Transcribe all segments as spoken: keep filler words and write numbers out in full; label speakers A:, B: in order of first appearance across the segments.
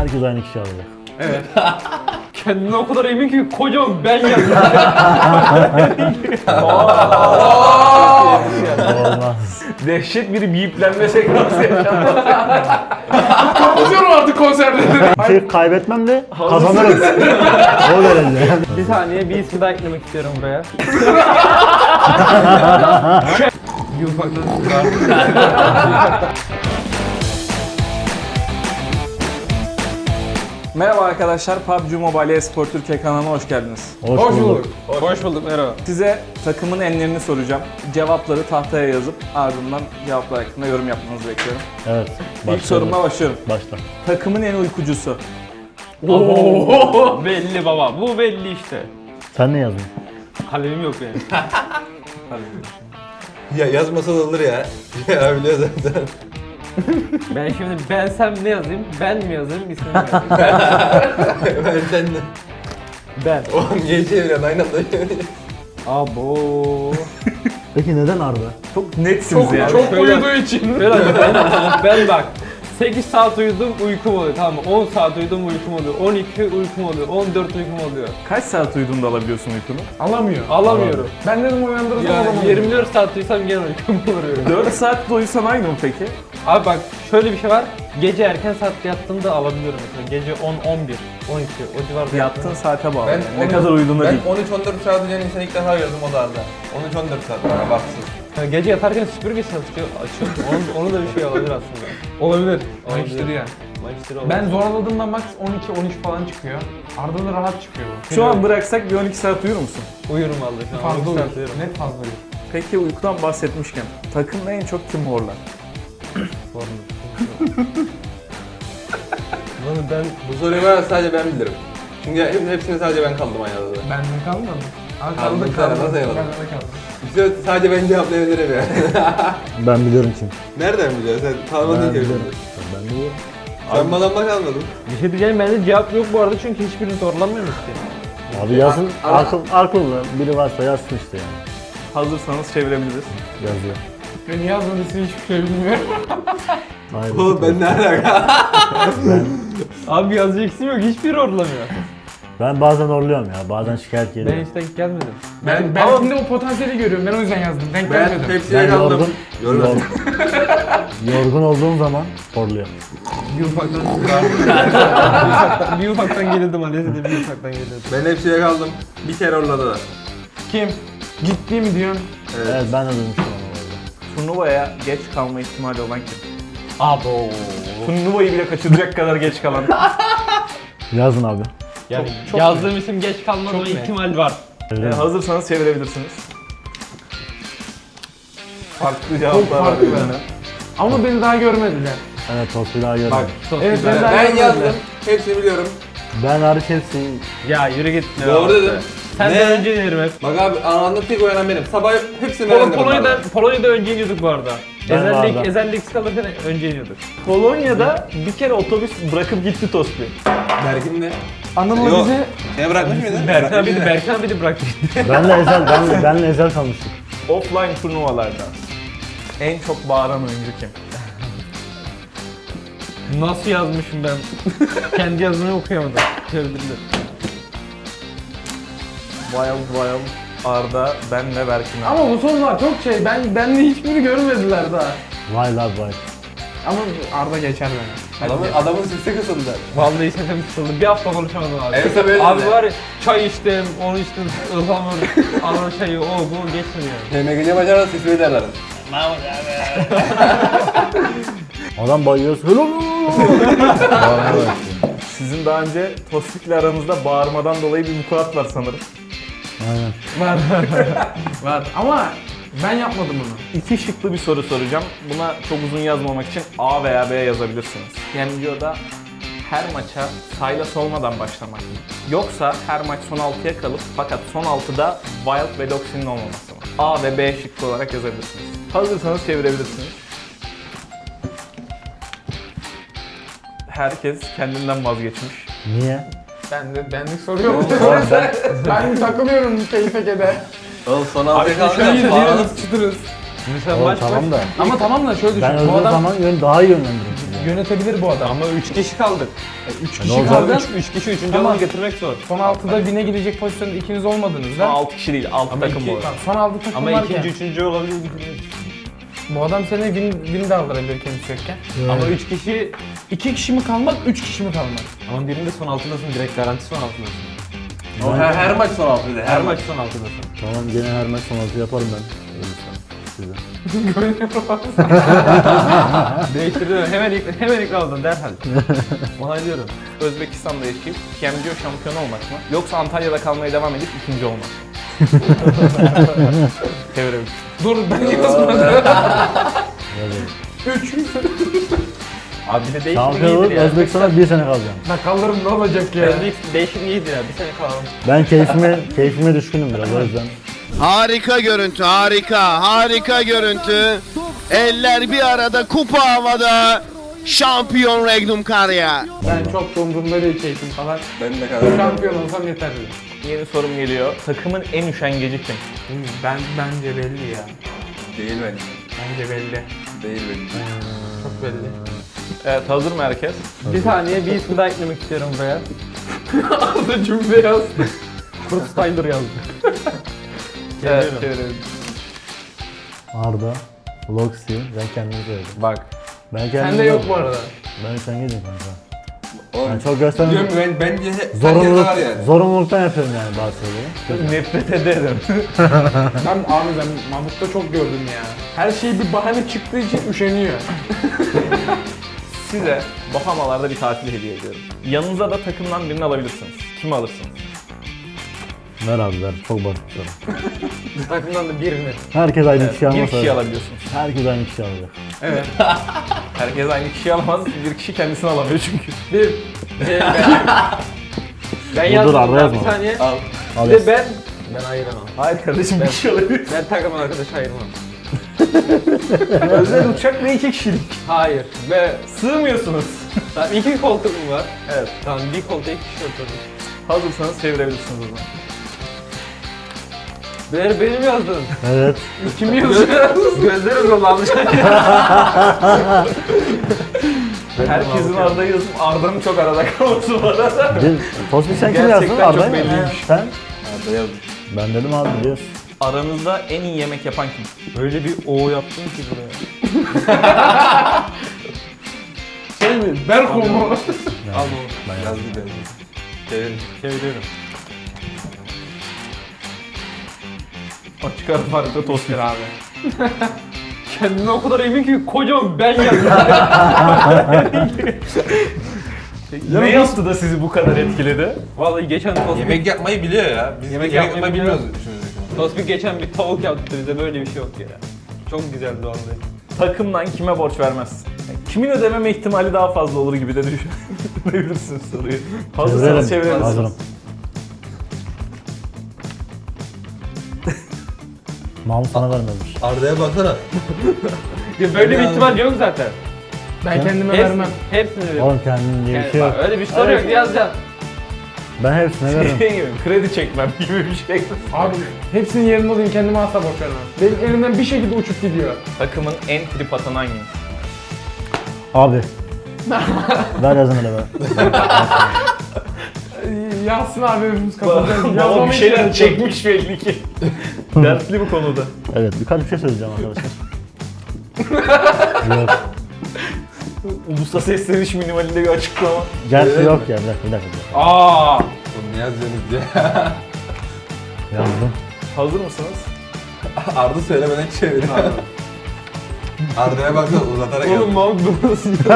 A: Herkes aynı kişi alacak.
B: Evet. Kendine o kadar emin ki kocaman ben yazdım.
A: Olmaz.
C: Dehşet bir biplenme sekansı yaşandı.
D: Kapatıyorum artık konserleri.
A: Bir şey kaybetmem de kazanırız. O derece.
B: Bir saniye bir isim daha eklemek istiyorum buraya. Bir ufaktan
C: Merhaba arkadaşlar, P U B G Mobile Espor Türkiye kanalına hoş geldiniz.
A: Hoş,
D: Hoş
A: bulduk.
D: bulduk.
B: Hoş bulduk, merhaba.
C: Size takımın enlerini soracağım. Cevapları tahtaya yazıp ardından cevaplar hakkında yorum yapmanızı bekliyorum.
A: Evet.
C: İlk sorumla başlıyorum.
A: Başla.
C: Takımın en uykucusu.
B: Oo, belli baba, bu belli işte.
A: Sen ne yazdın?
B: Kalemim yok benim.
E: Ya yazmasa da olur ya. Ya biliyor zaten.
B: Ben şimdi bensem ne yazayım, ben mi yazayım, ismini mi yazayım?
E: Ben sen de.
B: Ben.
E: Oğlum niye çeviriyorsun aynı anda çeviriyorsun.
B: Abo.
A: Peki neden Arda?
C: Çok netsiniz
D: Çok,
C: ya.
D: çok
B: Şöyle-
D: uyuduğu için.
B: Ben, ben, ben bak. sekiz saat uyudum uykum oluyor, tamam mı? on saat uyudum uykum oluyor, on iki uykum oluyor, on dört uykum oluyor.
C: Kaç saat uyuduğunda alabiliyorsun uykunu?
D: Alamıyor.
B: Alamıyorum.
D: Ben dedim uyandırırsam
B: Yani
D: alamıyorum.
B: yirmi dört saat uyusam gene uykum oluyor.
C: dört saat de uyusan aynı mı peki?
B: Abi bak şöyle bir şey var. Gece erken saatte yattığımda alabiliyorum mesela. Gece on, on bir, on iki o civarda
C: Yattığın saate bağlı.
E: Ben
C: yani. Ne
E: on-
C: kadar uyuduğuna
E: Ben
C: değil.
E: on üç on dört saat uyuyan insanı ilk defa gördüm o da Arda. on üç on dört saat bana baksın.
B: Yani gece yatarken süpürge çalışıyor, açıyor. Onun, onun da bir şey olabilir aslında.
D: Olabilir.
B: Olabilir.
D: Mayıştırı yani.
B: Mayıştırı olabilir.
D: Ben zorladığımda max on iki on üç falan çıkıyor. Arda da rahat çıkıyor bu.
C: Şu an bıraksak bir on iki saat uyur musun?
B: uyurum vallahi şu an.
D: fazla
B: on iki saat
D: uyur.
B: uyurum.
D: Net fazla uyur.
C: Peki uykudan bahsetmişken, takımda en çok kim horlar?
B: Bunu ben
E: Bu soruyu ben sadece ben bilirim. Çünkü hep, hepsini sadece ben kaldım aynı adada.
D: Benden kalmadı. Ama
E: Kaldım,
D: kaldı
E: sen
D: kaldı.
E: nasıl eyvallah?
D: Benden de kaldı.
E: İşte sadece ben cevaplayabilirim ya.
A: Ben biliyorum kim.
E: Nereden biliyorsun? Sen tanımadın
A: Ben
E: ki
A: biliyorum.
E: birbirimizi.
A: Ben biliyorum.
E: Sen bana bak almadın.
B: bir şey diyeceğim, bende cevap yok bu arada çünkü hiçbirini zorlanmıyormuş ki.
A: Abi yazın.
E: Ara-
A: Akıl, akıllı biri varsa yazsın işte yani.
C: Hazırsanız çevirebiliriz.
A: Yazıyor.
D: Beni yazmadıysa hiçbir şey bilmiyorum.
A: Hayır.
E: Oğlum ben ne alaka?
B: Abi yazacak isim yok, hiçbiri zorlamıyor.
A: Ben bazen orluyorum ya. Bazen şikayet
B: Ben
A: geliyor.
B: hiç denk gelmedim.
D: Ben, ben şimdi o potansiyeli görüyorum. Ben o yüzden yazdım. Denk
E: Ben
D: gelmedim.
E: hepsine
A: Ben
E: kaldım.
A: yorgun,
E: Yorgun.
A: yorgun, yorgun olduğum zaman horluyorum.
B: Bir ufaktan bir ufaktan, bir ufaktan gelirdim Aleyhisselam, bir ufaktan gelirdim.
E: Ben hepsine kaldım. Bir kere orladılar.
D: Kim? Ciddi mi diyorsun?
E: Evet.
A: Evet ben de duymuştum onu orada.
C: Turnuvaya geç kalma ihtimali olan kim?
B: Abo.
C: Turnuvayı bile kaçıracak kadar geç kalan.
A: Yazın abi.
B: Yani
C: Çok- çok
B: yazdığım isim geç kalmama
D: Çok net.
B: ihtimal var.
A: Öyle
C: Ee,
A: mi?
C: hazırsanız çevirebilirsiniz. Farklı
D: Çok
C: cevaplar var.
D: farklı.
C: birbirine.
D: Ama beni daha görmediler.
A: Evet o silahı görmedim.
B: Bak çok
D: Evet,
B: güzel.
D: ben daha
E: Ben
D: görmediler.
E: yazdım. Hepsini biliyorum.
A: Ben hariç hepsi
B: Ya yürü git.
E: Doğru dedim.
B: Sen
E: Ne?
B: de önce yerim hep.
E: Bak abi anında tek uyanan benim. Sabah hepsini
B: Pol
E: öğrendim.
B: Polonya'da,
E: bunlardan.
B: Polonya'da önce iniyorduk bu arada.
A: Ben
B: Ezellik,
A: vardım.
B: ezellik kalırken önce iniyorduk.
C: Polonya'da bir kere otobüs bırakıp gitti Tosbi.
E: Berkin de.
D: Anıl'la
E: Yok.
D: bizi
E: Seni bırakmış mıydı?
B: Berkan bir de Berkan bir de bıraktı.
A: benle ezel, ben, benle ezel kalmıştık.
C: Offline turnuvalarda en çok bağıran oyuncu kim?
B: Nasıl yazmışım ben? Kendi yazımı okuyamadım. Çevirdim.
C: Wild Wild, Arda, ben ve Berkin abi.
D: ama bu sorular çok şey. Ben bende hiçbiri görmediler daha.
A: Vay lan vay.
D: Ama Arda geçer beni.
E: Adamın, adamın sesi kısıldı.
B: Vallahi sesim kısıldı. Bir hafta konuşamadım abi.
E: En son öyle
B: Abi
E: dedi.
B: var ya çay içtim, onu içtim, ıhlamur, ana çayı, o bu geçmiyor.
E: T M G C maçlarda sesi öderler.
A: Adam bayıyoruz. Hello. Vallahi bak.
C: Sizin daha önce Tosbik'le aranızda bağırmadan dolayı bir vukuat var sanırım.
A: Aynen.
D: Var. Var. Ama ben yapmadım bunu.
C: İki şıklı bir soru soracağım. Buna çok uzun yazmamak için A veya B yazabilirsiniz. Yani videoda her maça Sylas olmadan başlamak mı? Yoksa her maç son altıya kalıp fakat son altıda Wild ve Doxy'nin olmaması mı? A ve B şıklı olarak yazabilirsiniz. Hazırsanız çevirebilirsiniz. Herkes kendinden vazgeçmiş.
A: Niye?
D: Ben de benlik soruyorum.
A: Oğlum ben,
D: ben takılıyorum keyfe keder.
E: Oğlum son altıya
B: şöyle
E: kalınca
D: İyiyiz,
E: bağlanıp
D: iyiyiz, çıtırız.
B: Mesela
A: oğlum
B: maç
A: tamam
B: baş...
A: da.
D: Ama tamam da şöyle düşün.
A: Ben
D: bu
A: öldüğüm
D: adam
A: zaman yön daha iyi yönlendiririm. sizi.
D: yönetebilir bu adam.
B: Ama üç kişi kaldık.
D: üç
A: ne
D: kişi
A: olacak?
D: kaldı.
B: üç kişi üçüncü
D: Tamam.
B: alanı getirmek zor.
D: Son altıda bine gidecek pozisyonda ikiniz olmadınızda.
C: altı kişi değil, altı
B: Ama
C: takım
B: iki-
C: bu arada.
D: Tamam, son altı takım
B: Ama
D: varken.
B: ikinci, üçüncü olabilir.
D: Bu adam seni win, win de aldırabilir kendisi yokken.
B: Ama üç kişi,
D: İki kişi mi kalmak, üç kişi mi kalmak?
B: ama birinde son altındasın, direkt garanti son altındasın.
E: O her, her maç son altıydı.
B: Her maç son altındasın.
A: Tamam gene her maç son altı yaparım ben. Ölürsem size.
B: Değiştirdim, hemen ilk, hemen ikna oldum derhal. Onaylıyorum.
C: Özbekistan'da yaşayıp P M G O şampiyonu olmak mı? Yoksa Antalya'da kalmaya devam edip ikinci olmak. Çevirelim.
D: Dur ben yazmadım. Üç.
B: Abi bir de değişiklik
A: Şampiyon olup
B: iyidir ya.
A: Özbekistan'a bir sene kalacağım.
D: Lan kalırım ne olacak ya?
B: Değişiklik, değişiklik iyidir ya, bir sene kalalım.
A: Ben keyfime, keyfime düşkünüm biraz o yüzden.
F: Harika görüntü, harika, harika görüntü. Eller bir arada, kupa havada. Şampiyon Regnum Karya.
D: Ben çok da umurumda değil keyfim falan.
E: Ben de kadar.
D: Şampiyon olsam yeterli.
C: Yeni sorum geliyor. Takımın en üşengeci kim?
D: Ben bence belli ya.
E: Değil bence.
D: Bence belli.
E: Değil bence.
D: Çok belli.
C: Evet, hazır mı herkes?
B: Bir saniye bir ismi daha eklemek istiyorum buraya. Arda cümle yaz. Bruce Tyler yazdı.
C: Evet,
B: Geliyorum.
C: çevirelim.
A: Arda, Loxi, ben kendimi söyledim.
B: Bak.
A: Ben kendimi
D: Sende yok bu arada.
A: Ben üşengecim kanka.
E: Oğlum,
A: Ben çok göstermiyorum.
E: diyorum ben, bence he- herkeste
A: Zorunluluk,
E: var yani.
A: zorunluluktan yapıyorum yani bazı şeyleri.
C: Nefret ederim.
D: Ben abi ben Mahmut'ta çok gördüm ya. Her şey bir bahane çıktığı için üşeniyor.
C: Size Bahamalarda bir tatil hediye ediyorum. Yanınıza da takımdan birini alabilirsiniz. Kimi alırsınız?
A: Ver abi ver, çok basit bir soru.
B: Takımdan da birini.
A: Herkes aynı
C: Evet,
A: kişi
C: bir
A: almasa.
C: kişi alabiliyorsunuz.
A: Herkes aynı kişi alacak.
D: Evet.
C: Herkes aynı kişiyi alamaz, bir kişi kendisini alamıyor çünkü.
B: Bir. Şey, ben, ben
A: Dur,
B: yazdım.
A: Arda
B: daha
A: yazma.
B: Bir saniye.
E: Al.
A: Al
B: Bir
A: yaz.
B: de ben. Ben ayıramam.
C: Hayır kardeşim, bir kişi alabilir.
B: Ben takım arkadaş ayırmam.
C: Özel uçak ve iki kişilik.
B: Hayır. Ve
C: Sığmıyorsunuz.
B: tamam, iki koltuğum var.
C: Evet.
B: Tamam bir koltuğa iki kişi oturdum.
C: Hazırsanız çevirebilirsiniz o zaman.
B: Benim, benim yazdın.
A: Evet.
B: Kim yazıyor? Gözlerim dolanmış.
C: Herkesin Arda yazıp Arda'nın çok arada kalması var arada.
A: Bir, Tosbik sen kim
C: Gerçekten
A: yazdın?
C: çok
A: Arda'yı mı?
C: belliymiş.
A: Sen?
E: Arda yazmış.
A: Ben dedim abi biliyorsun.
C: Aranızda en iyi yemek yapan kim?
B: Öyle bir o yaptım ki buraya.
D: Şey mi? Berko mu?
A: Yani,
B: Al bunu.
A: ben
E: Yazdı bence. Çevir.
B: Çeviriyorum.
C: Açık ara farklı Tosbik abi.
B: Kendine o kadar emin ki kocaman ben yazdım.
C: Ne yaptı da sizi bu kadar etkiledi?
B: Vallahi geçen Tospik,
E: Yemek yapmayı biliyor ya. Biz
B: Yemek
E: yemek,
B: yapmayı
E: yapmayı
B: biliyor.
E: bilmiyoruz düşünüyoruz.
B: Tospik geçen bir tavuk yaptı bize, böyle bir şey yok ya. Çok güzeldi vallahi.
C: Takımdan kime borç vermez? Yani kimin ödememe ihtimali daha fazla olur gibi de düşünebilirsiniz soruyu. Hazırsanız çevirebilirsiniz.
A: Hazırım. Mahmut sana vermemiş.
E: Arda'ya baksana.
B: Ya böyle bir
E: Ya.
B: ihtimal yok zaten.
D: Ben kendime
B: Hepsini,
D: vermem.
B: hepsini veririm.
A: Oğlum kendin diye bir
B: Yani
A: şey yok.
B: bak, öyle bir soru
C: Evet.
B: yok, yazacaksın.
A: Ben hepsine veririm.
C: Şey gibi, kredi çekmem gibi bir şey.
D: Abi hepsinin yerinde olayım kendime asla boş vermem. Benim elimden bir şekilde uçup gidiyor.
C: Takımın en trip atan hangisi?
A: Abi. Ver yazın hele be.
D: Ee, Yazsın abi hepimiz kapatacağız.
C: Baba bir
D: Yazmama
C: şeyler
D: ihtiyaç yok.
C: çekmiş belli ki. Dertli bu konuda.
A: Evet birkaç bir şey söyleyeceğim arkadaşlar. Yok.
C: Ulusa sesleniş minimalinde bir açıklama.
A: Gerçi yok ya bir dakika bir dakika. Bir dakika.
B: Aa.
E: Oğlum ne yazıyorsunuz diye.
A: Yazdım.
C: Hazır mısınız?
E: Arda söylemeden çevir. Arda'ya baksana uzatarak
B: Oğlum
E: yazmış.
B: Mahmut bu nasıl ya?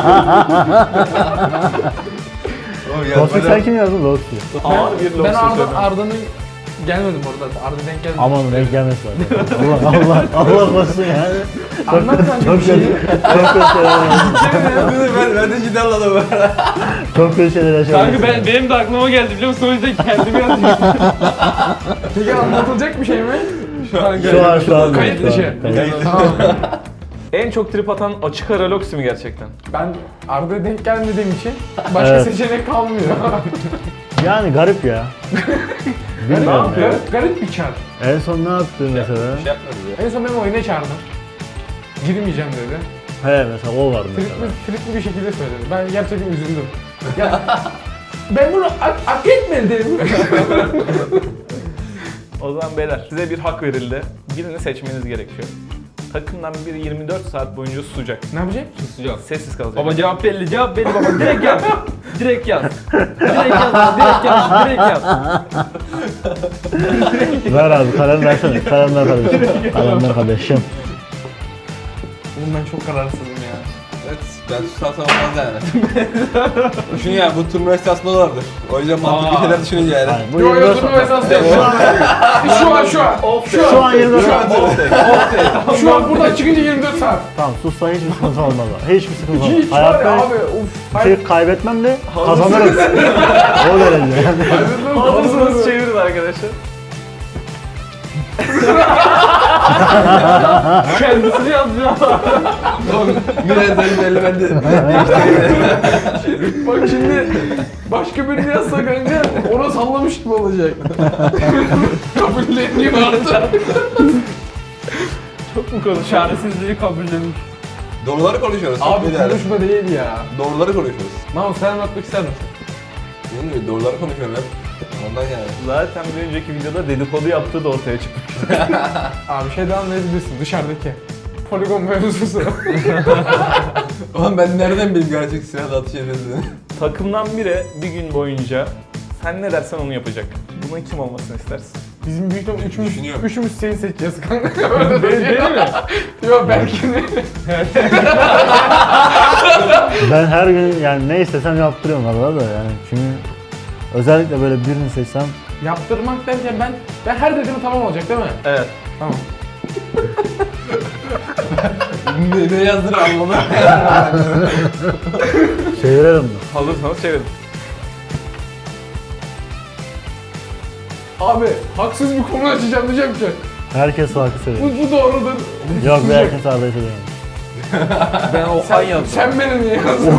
E: Oğlum
A: Tosbik
E: yazmadan-
A: sen kim yazdın? Loxi.
C: Ağır bir
D: Ben
C: lobster
D: Arda,
C: söyledim.
D: Arda'nın gelmedim orada. Arda denk gelmedi.
A: Aman denk gelmesin zaten. Allah Allah Allah korusun yani.
D: Anlat sen
A: Çok
D: bir şeyi.
A: kötü. Çok kötü şeyler yaşadım.
E: Dur, ben, ben de ciddi anladım.
A: Çok kötü şeyler yaşadım.
B: Kanka ben, benim de aklıma geldi biliyor musun? O yüzden kendimi yazdım.
D: Peki anlatılacak bir şey mi?
A: Şu an şu an.
D: Kayıt
A: şu an,
D: dışı.
A: kayıt.
D: Tamam.
C: En çok trip atan açık ara Loxi mi gerçekten?
D: Ben Arda'ya denk gelmediğim için başka
A: Evet.
D: seçenek kalmıyor.
A: Yani garip ya.
D: ne
A: Bilmiyorum ya.
D: yapıyor? Garip bir çar.
A: En son ne yaptın mesela?
E: Şey yapmadı ya.
D: En son benim oyuna çağırdım. Girmeyeceğim dedi.
A: He mesela o vardı mesela.
D: Tripli, tripli bir şekilde söyledi. Ben gerçekten üzüldüm. Ya, ben bunu hak, hak etmedim.
C: O zaman beyler size bir hak verildi. Birini seçmeniz gerekiyor. Takımdan biri yirmi dört saat boyunca susacak.
D: Ne yapacak?
B: Susacağım.
C: Sessiz kalacak.
B: Baba cevap belli, cevap belli baba. Direkt yaz. Direkt yaz. Direkt yaz, direkt yaz, direkt yaz.
A: Ver abi kalem versene. Kalem ver kardeşim. Kalem ver kardeşim.
D: Oğlum ben çok kararsızım ya.
E: Evet, ben susarsam olmaz yani. Düşün ya, bu turnuva esnasında vardır. O yüzden mantıklı
B: Aa.
E: şeyler düşününce yani.
A: Hayır, bu
D: Yo
A: yirmi
D: yo
A: dört
D: turnuva
A: saat.
D: esası değil. Şu an. Şu an şu an.
A: Şu an yirmi dört saat.
D: Şu an buradan çıkınca yirmi dört saat.
A: Tamam sussan hiçbir sıkıntı olmaz. abi. Hiçbir sıkıntı olmaz.
D: Hiç var ya
A: Hayatta
D: abi. Uf.
A: şey kaybetmem de kazanırız. O derece yani.
C: Hazırsanız çevirin arkadaşlar.
B: Kendisini yazacağım.
E: Biraz da belli bende.
D: Bak şimdi başka birini yazsa kanka ona sallamış gibi olacak. Kabulleneyim artık.
C: Çok mu konuşuyor?
B: Çaresizliği kabullenmiş.
E: Doğruları konuşuyoruz.
D: Abi
E: çok iyi yani.
D: konuşma değil ya.
E: Doğruları konuşuyoruz.
D: Mahmut sen anlatmak ister misin?
E: Değil mi? Doğruları konuşuyorum hep. Ondan yani.
C: Zaten bir önceki videoda dedikodu yaptığı da ortaya çıkmış.
D: Abi şeyden anlayabilirsin dışarıdaki. Poligon mevzusu.
E: Oğlum ben nereden bileyim gerçek silahla atış edildiğini?
C: Takımdan biri bir gün boyunca sen ne dersen onu yapacak. Bunun kim olmasını istersin?
D: Bizim büyük ihtimalle üçümüz,
E: Düşünüyorum.
D: üçümüz seni seçeceğiz kanka. Öyle değil, değil mi? Yok belki de.
A: Ben her gün yani ne istesem yaptırıyorum arada da yani. Çünkü özellikle böyle birini seçsem
D: Yaptırmak derken ben, ben her dediğim tamam olacak değil mi?
C: Evet.
D: Tamam.
E: ne, ne yazdığını anlamadım.
A: çevirelim mi?
C: Hazırsanız çevirin.
D: Abi haksız bir konu açacağım diyeceğim ki.
A: Herkes farklı söylüyor.
D: Bu, bu doğrudur.
A: Yok be herkes Arda'yı söylüyor.
B: Ben Okan yazdım.
D: Sen beni niye yazdın?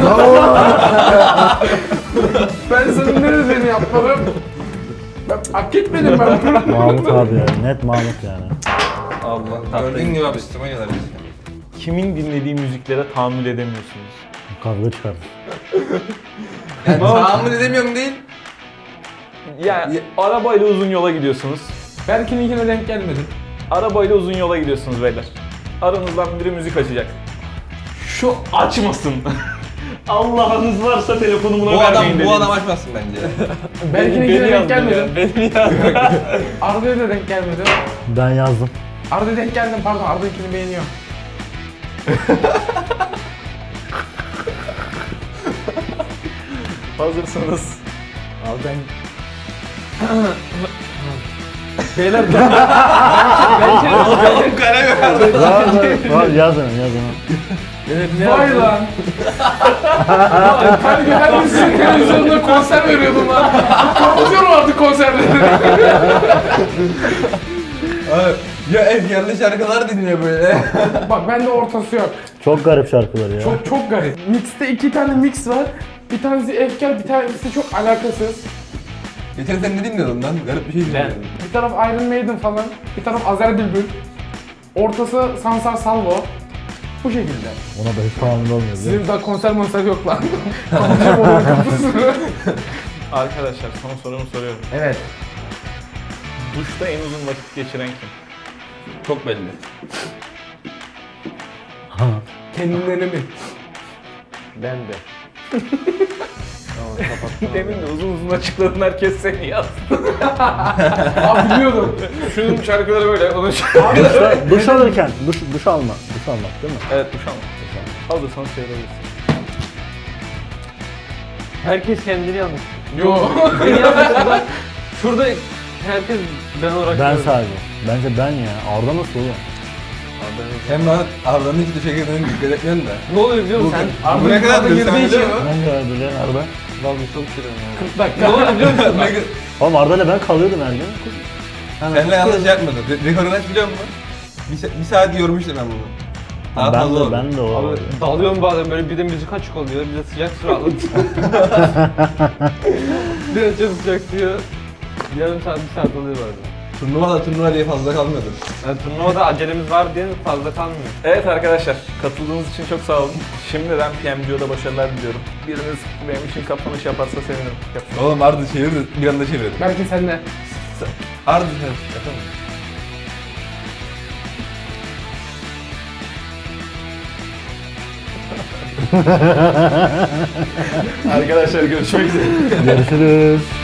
D: Ben senin ne dediğini yapmadım. Ben hak etmedim ben bunu.
A: Mahmut abi ya. Net Mahmut yani.
B: Allah
E: Gördüğün gibi abi üstüme gelir biz.
C: Kimin dinlediği müziklere tahammül edemiyorsunuz?
A: Kavga çıkardı.
E: Yani tahammül edemiyorum değil.
C: Yani arabayla uzun yola gidiyorsunuz.
D: Berkin'inkine denk gelmedim.
C: Arabayla uzun yola gidiyorsunuz beyler. Aranızdan biri müzik açacak. Şu açmasın. Allah'ınız varsa telefonu buna
E: Bu adam,
C: vermeyin
E: bu
C: dediniz.
E: adam açmasın bence.
D: Berkin'inkine denk gelmedim.
C: Beni yazdı.
D: Arda'ya da denk gelmedim.
A: Ben yazdım.
D: Arda'ya denk geldim pardon Arda'nkini beğeniyorum.
C: Hazırsanız.
D: Abi ben
B: Beyler ben ben
E: Oğlum kalem yok.
A: Var var var yaz hemen yaz hemen.
D: vay lan. Her gün her gün sizin televizyonda konser veriyordum lan. Kapatıyorum artık konserleri.
E: Abi, ya efkarlı şarkılar dinliyor böyle.
D: Bak bende ortası yok.
A: Çok garip şarkılar ya.
D: Çok çok garip. Mix'te iki tane mix var. Bir tanesi efkar, bir tanesi çok alakasız.
E: Geçen sen ne dinliyordun lan? Garip bir şey dinliyordun.
D: Bir taraf Iron Maiden falan, bir taraf Azer Bülbül. Ortası Sansar Salvo. Bu şekilde.
A: Ona da hiç tahammül olmuyor. biliyor musun?
D: Sizin daha konser monser yok lan. Kapatacağım onun kapısını.
C: Arkadaşlar son sorumu soruyorum.
D: Evet.
C: Duşta en uzun vakit geçiren kim?
E: Çok belli.
D: Kendilerine mi?
B: Ben de.
C: Demin de uzun uzun açıkladın, herkes seni yazdı.
D: Abi biliyordum.
C: Şunun şarkıları böyle, onun
A: Duşta, duş alırken, duş, duş alma. Duş almak değil mi?
C: Evet, duş almak. Hazırsanız çevirebilirsin.
B: Herkes kendini yazmış.
D: Yo.
B: Beni yazmışsın bak. Şurada herkes ben olarak
A: Ben
B: gördüm.
A: sadece. Bence ben ya. Arda nasıl oğlum?
E: Hem bana Arda'nın hiç duşa girdiğini dikkat etmiyorsun da.
B: Ne oluyor biliyor musun?
E: Bu ne kadar
B: girdiği
E: girdiği
B: için-
E: için.
A: Ben de öyle biliyorum Arda.
B: Vallahi çok şirin ya.
D: kırk dakika.
B: Ne oluyor biliyor musun?
A: Oğlum Arda'yla ben kalıyordum her gün.
E: Seninle yanlış yapmadım. Re- Rekoru aç biliyor musun? Bir, sa- bir saat yormuştum ben bunu. Daha
A: Ben
E: fazla
A: de,
E: oldu.
A: ben de o.
B: Abi dalıyorum bazen böyle bir de müzik açık oluyor, bir de sıcak su alıyor. Bir de çok sıcak diyor. Yarım saat, bir saat oluyor bazen.
E: Turnuva da turnuva diye fazla kalmıyordur.
B: Yani turnuvada acelemiz var diye fazla kalmıyor.
C: Evet arkadaşlar, katıldığınız için çok sağ olun. Şimdiden P M G O'da başarılar diliyorum. Biriniz benim için kapanış yaparsa sevinirim. Yapsın.
E: Oğlum Arda çevir de bir anda çevir.
D: Belki sen de.
E: Arda sen yapalım.
C: Arkadaşlar görüşmek üzere.
A: Görüşürüz.